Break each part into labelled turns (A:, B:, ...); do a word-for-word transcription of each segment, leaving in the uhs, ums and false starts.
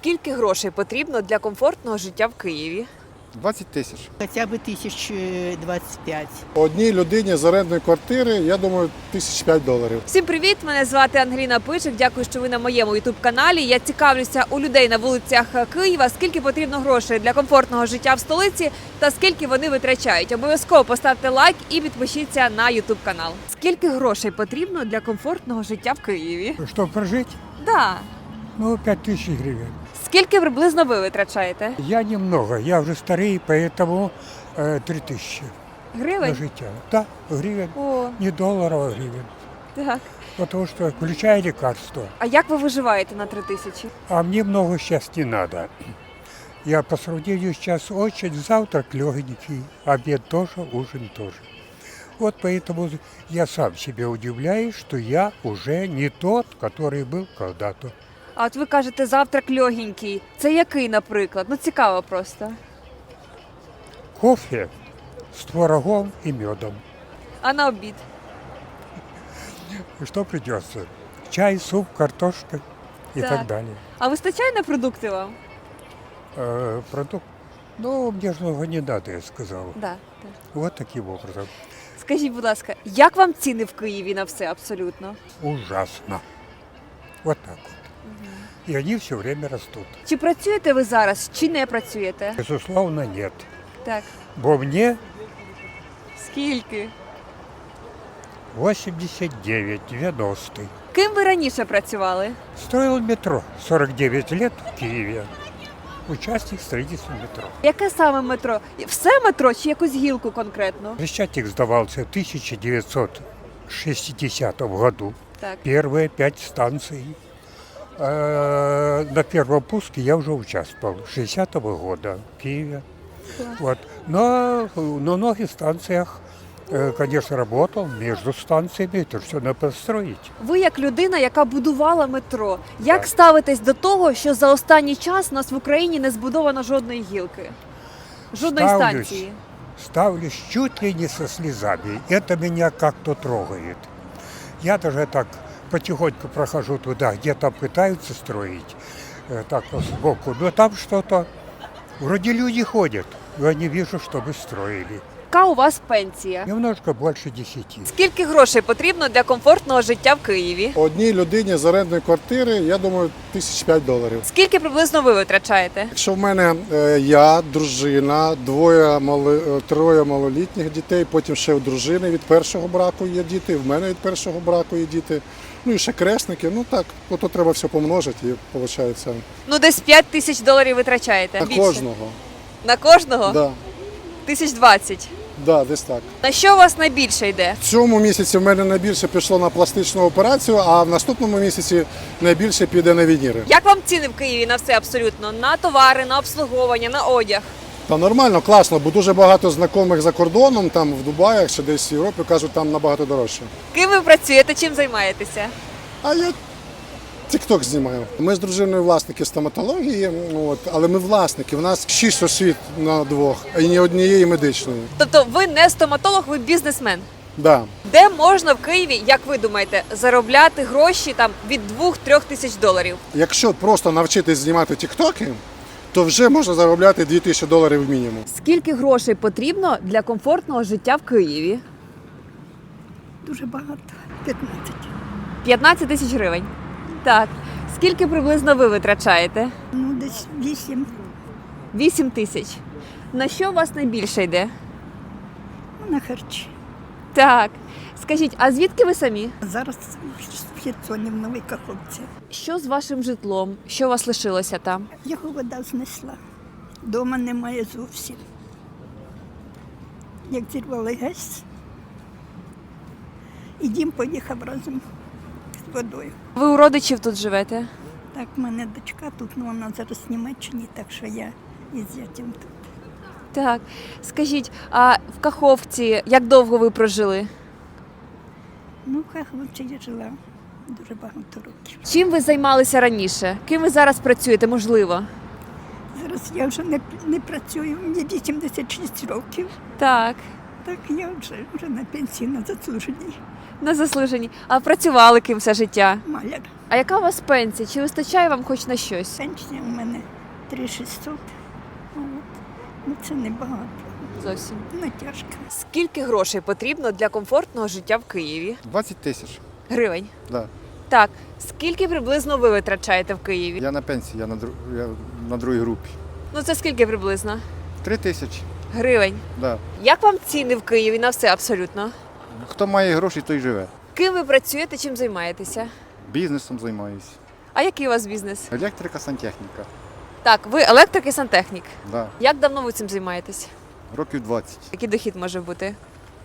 A: Скільки грошей потрібно для комфортного життя в Києві?
B: двадцять тисяч.
C: Хоча б тисяч двадцять п'ять.
B: Одній людині з орендної квартири, я думаю, тисяч п'ять доларів.
A: Всім привіт! Мене звати Ангеліна Пичик. Дякую, що ви на моєму ютуб-каналі. Я цікавлюся у людей на вулицях Києва, скільки потрібно грошей для комфортного життя в столиці та скільки вони витрачають. Обов'язково поставте лайк і підпишіться на ютуб-канал. Скільки грошей потрібно для комфортного життя в Києві?
D: Чтобы прожить,
A: Да.
D: ну, пять тысяч гривен.
A: Скільки приблизно ви витрачаєте?
D: Я немного, я уже старый, поэтому э, три тысячи на
A: Гривень?
D: життя. Да, гривен,
A: О,
D: не долларов, а гривен.
A: так.
D: Потому что, включая лекарства.
A: А як ви виживаєте на три тисячі?
D: А мне много сейчас не надо. Я по сравнению сейчас очень, завтрак легенький, обед тоже, ужин тоже. Вот поэтому я сам себе удивляюсь, что я уже не тот, который был когда-то.
A: А от ви кажете, завтрак легенький. Це який, наприклад? Ну, цікаво просто.
D: Кофе с творогом и медом.
A: А на обід?
D: И что придется? Чай, суп, картошка и
A: Так.
D: так далее.
A: А вистачає на продукти вам?
D: Э, продукт. Ну, мне же много не надо, я сказал.
A: Да.
D: Вот таким образом.
A: Скажіть, будь ласка, як вам ціни в Києві на все абсолютно?
D: Ужасно. Вот так вот. И они все время растут.
A: Чи працюєте ви зараз, чи не працюєте?
D: Безусловно, нет.
A: Так.
D: Бо мне
A: Скільки?
D: восемьдесят девять, девяносто.
A: Ким ви раніше працювали?
D: Строил метро сорок девять лет в Киеве. Участник строительства метро.
A: Яке саме метро? Все метро чи якусь гілку конкретно?
D: Хрещатик сдавался в тысяча девятьсот шестидесятом году.
A: Так.
D: Первые пять станций. Э, На первом пуске я уже участвовал, шестидесятого года в Киеве. Вот. Но на многих станциях, э, конечно, работал между станциями, это все надо построить.
A: Ви як людина, яка будувала метро, як
D: Так.
A: ставитесь до того, що за останній час у нас в Україні не збудовано жодної гілки? Жодної
D: Ставлюсь.
A: станції?
D: Ставлюсь чуть ли не со слезами. Это меня как-то трогает. Я даже так потихоньку прохожу туда, где там пытаются строить, э, так вот сбоку. Но там что-то, вроде люди ходят, но я не вижу, чтобы строили.
A: Яка у вас пенсія?
D: Немножко больше десяти.
A: Скільки грошей потрібно для комфортного життя в Києві?
B: Одній людині з орендної квартири, я думаю, тисяч п'ять доларів.
A: Скільки приблизно ви витрачаєте?
B: Якщо в мене е, я, дружина, двоє мали, е, троє малолітніх дітей, потім ще у дружини від першого браку є діти, в мене від першого браку є діти, ну і ще крестники, ну так, ото треба все помножити і виходить
A: Ну, десь п'ять тисяч доларів витрачаєте.
B: на
A: Більше.
B: кожного.
A: На кожного?
B: Да,
A: Тисяч двадцять.
B: да, десь так.
A: На що у вас найбільше йде?
B: В цьому місяці в мене найбільше пішло на пластичну операцію, а в наступному місяці найбільше піде на вініри.
A: Як вам ціни в Києві на все абсолютно? На товари, на обслуговування, на одяг?
B: Та нормально, класно, бо дуже багато знайомих за кордоном, там в Дубаях чи десь в Європі, кажуть, там набагато дорожче.
A: Ким ви працюєте, чим займаєтеся?
B: А я тік-ток знімаю. Ми з дружиною власники стоматології, от, але ми власники. У нас шість освіт на двох, і ні однієї медичної.
A: Тобто ви не стоматолог, ви бізнесмен.
B: Да.
A: Де можна в Києві, як ви думаєте, заробляти гроші там від двох-трьох тисяч доларів?
B: Якщо просто навчитись знімати тіктоки, то вже можна заробляти дві тисячі доларів мінімум.
A: Скільки грошей потрібно для комфортного життя в Києві?
C: Дуже багато. п'ятнадцять.
A: п'ятнадцять тисяч гривень. Так. Скільки приблизно ви витрачаєте?
C: Ну, десь вісім.
A: Вісім тисяч. На що у вас найбільше йде?
C: Ну, на харчі.
A: Так. Скажіть, а звідки ви самі?
C: Зараз в Херсоні, в Новій Каховці.
A: Що з вашим житлом? Що у вас лишилося там?
C: Його вода знесла. Дома немає зовсім. Як зірвали газ, і дім поїхав разом з водою.
A: Ви у родичів тут живете?
C: Так, в мене дочка тут, ну вона зараз в Німеччині, так що я із зятем тут.
A: Так. Скажіть, а в Каховці як довго ви прожили?
C: Ну, в Каховці я жила дуже багато років.
A: Чим ви займалися раніше? Ким ви зараз працюєте, можливо?
C: Зараз я вже не, не працюю, мені вісімдесят шість років.
A: Так.
C: Так я вже, вже на пенсії на заслуженій.
A: На заслуженні. А працювали ким все життя?
C: Маляр.
A: А яка у вас пенсія? Чи вистачає вам хоч на щось?
C: Пенсія у мене три тисячі шістсот. От. Ну це небагато.
A: Зовсім.
C: Ну тяжко.
A: Скільки грошей потрібно для комфортного життя в Києві?
E: двадцять тисяч.
A: Гривень.
E: Да.
A: Так. Скільки приблизно ви витрачаєте в Києві?
E: Я на пенсії, я на, дру... я на другій групі.
A: Ну це скільки приблизно?
E: Три тисячі.
A: Гривень.
E: Да.
A: Як вам ціни в Києві на все абсолютно?
E: Хто має гроші, той живе.
A: Ким ви працюєте, чим займаєтеся?
E: Бізнесом займаюся.
A: А який у вас бізнес?
E: Електрика, сантехніка.
A: Так, ви електрик і сантехнік.
E: Да.
A: Як давно ви цим займаєтесь?
E: Років двадцять.
A: Який дохід може бути?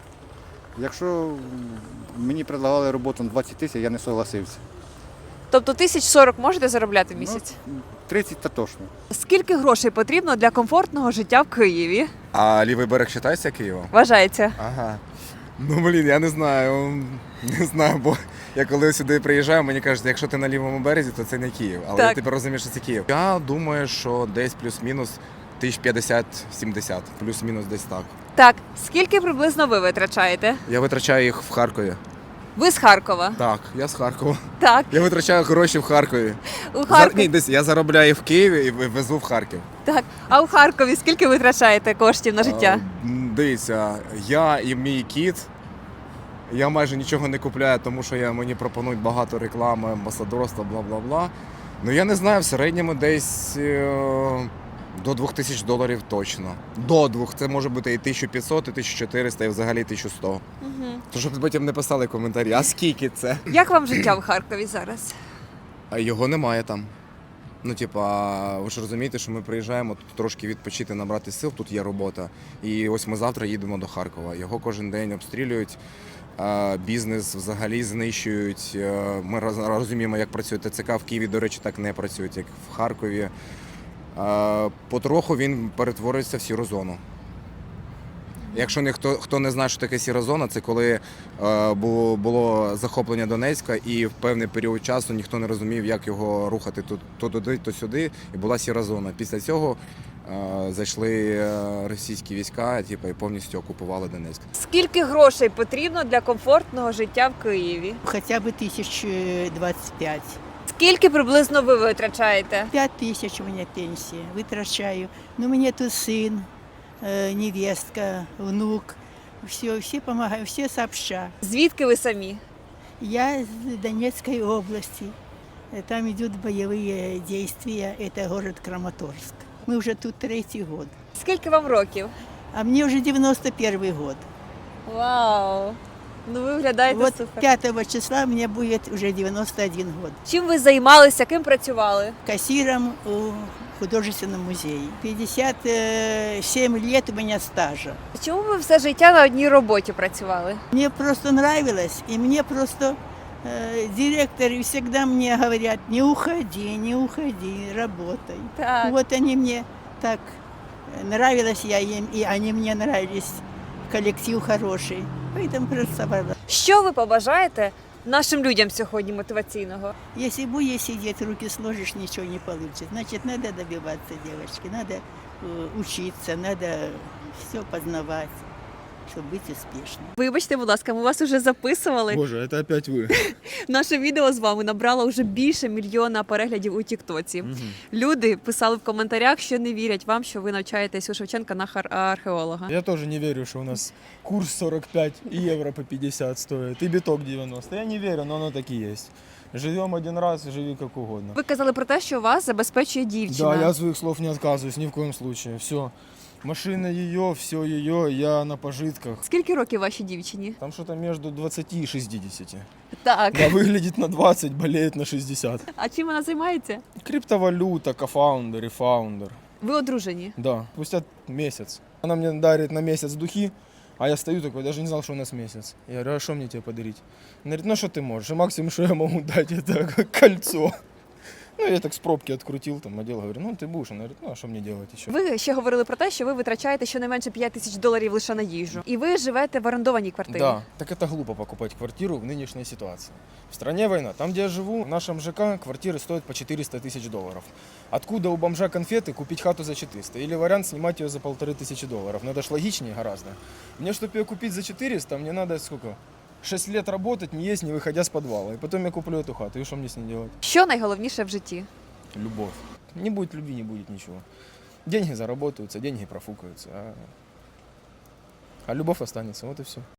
E: Якщо мені предлагали роботу на двадцять тисяч, я не согласився.
A: Тобто тисяч сорок можете заробляти в місяць?
E: Ну, тридцять та точно.
A: Скільки грошей потрібно для комфортного життя в Києві?
F: А лівий берег вважається Києвом?
A: Вважається.
F: Ага. Ну, блін, я не знаю. Не знаю, бо я коли сюди приїжджаю, мені кажуть, якщо ти на лівому березі, то це не Київ. Але
A: Так.
F: я тепер розумію, що це Київ. Я думаю, що десь плюс-мінус тисяч п'ятдесят-сімдесят. Плюс-мінус десь так.
A: Так, скільки приблизно ви витрачаєте?
F: Я витрачаю їх в Харкові.
A: Ви з Харкова.
F: Так, я з Харкова.
A: Так,
F: Я витрачаю гроші в Харкові.
A: у
F: Зар...
A: Харкові.
F: Ні, десь я заробляю в Києві і везу в Харків.
A: Так, а у Харкові скільки витрачаєте коштів на життя?
F: А, м, Дивіться, я і мій кіт. Я майже нічого не купляю, тому що я, мені пропонують багато реклами, амбасадорства, бла-бла-бла. Ну я не знаю, в середньому десь е, до двох тисяч доларів точно. До двох. Це може бути і тисяча п'ятсот, і тисяча чотириста, і взагалі тисяча сто.
A: Угу.
F: То щоб потім не писали коментарі, а скільки це?
A: Як вам життя в Харкові зараз?
F: А його немає там. Ну, типа, ви ж розумієте, що ми приїжджаємо тут трошки відпочити, набрати сил, тут є робота. І ось ми завтра їдемо до Харкова. Його кожен день обстрілюють, а, бізнес взагалі знищують. Е, Ми роз- розуміємо, як працює ТЦК. В Києві, до речі, так не працюють, як в Харкові. А, Потроху він перетворюється в сіру зону. Якщо ніхто хто не знає, що таке сіра зона, це коли е, було, було захоплення Донецька, і в певний період часу ніхто не розумів, як його рухати то, то туди, то сюди, і була сіра зона. Після цього е, зайшли е, російські війська, типу, і повністю окупували Донецьк.
A: Скільки грошей потрібно для комфортного життя в Києві?
G: Хотя бы тысяч двадцать пять.
A: Скільки приблизно ви витрачаєте?
G: Пять тысяч у меня пенсия, вытрачаю. Но у меня тут сын, э, невестка, внук. Все, все помогают, все сообща.
A: Звідки ви самі?
G: Я из Донецкой области. Э, Там идут боевые действия. Это город Краматорск. Мы уже тут третий год.
A: Скільки вам років?
G: А мне уже девяносто первый год.
A: Вау! Ну ви виглядаєте
G: Вот
A: супер.
G: пятого числа мне будет уже девяносто один год.
A: Чим ви займалися, ким працювали?
G: Кассиром у художественном музее. пятьдесят семь лет у меня стажа.
A: Чому ви все життя на одній роботі працювали?
G: Мне просто нравилось, и мне просто э, директоры всегда мне говорят, не уходи, не уходи, работай.
A: Так.
G: Вот они мне так э, нравилось, я им, и они мне нравились. Коллектив хороший. Поэтому просто собрала.
A: Що ви побажаєте нашим людям сьогодні мотиваційного?
G: Если будешь сидеть, руки сложишь, ничего не получится. Значит, надо добиваться, девочки, надо э, учиться, надо все познавать, чтобы быть успешным.
A: Вибачте, будь ласка, ми вас уже записували.
H: Боже, это опять вы.
A: Наше відео з вами набрало вже більше мільйона переглядів у Тіктоці. Люди писали в коментарях, що не вірять вам, що ви навчаєтесь у Шевченка на хар- археолога.
H: Я тоже не верю, что у нас курс сорок пять и евро по пятьдесят стоит, и биток девяносто. Я не верю, но оно так и есть. Живем один раз, живи как угодно.
A: Ви казали про те, що вас забезпечує дівчина.
H: Да, я от своих слов не отказываюсь ни в коем случае. Все. Машина ее, все ее, я на пожитках.
A: Скільки років вашій дівчині?
H: Там что-то между двадцатью и шестидесятью.
A: Так.
H: Да, выглядит на двадцать, болеет на шестьдесят.
A: А чим вона займається?
H: Криптовалюта, кофаундер и фаундер.
A: Ви одружені.
H: Да, спустя месяц. Она мне дарит на месяц духи, а я стою такой, даже не знал, что у нас месяц. Я говорю, а что мне тебе подарить? Она говорит, ну что ты можешь? И максимум, что я могу дать, это кольцо. Ну, я так с пробки открутил, там, одел, говорю, ну, ты будешь? Он говорит, ну, а что мне делать еще?
A: Ви ще говорили про те, що ви витрачаєте щонайменше п'ять тисяч доларів лише на їжу. І ви живете в орендованій квартирі.
H: Да, так это глупо покупать квартиру в нынешней ситуации. В стране война. Там, где я живу, в нашем ЖК квартиры стоят по четыреста тысяч долларов. Откуда у бомжа конфеты купить хату за четыреста? Или вариант снимать ее за полторы тысячи долларов? Но это ж логичнее гораздо. Мне, чтобы ее купить за четыреста, мне надо сколько? шесть лет работать, не есть, не выходя с подвала. И потом я куплю эту хату. И что мне с ней делать?
A: Що найголовніше в житті?
H: Любовь. Не будет любви, не будет ничего. Деньги заработаются, деньги профукаются. А, а любовь останется. Вот и все.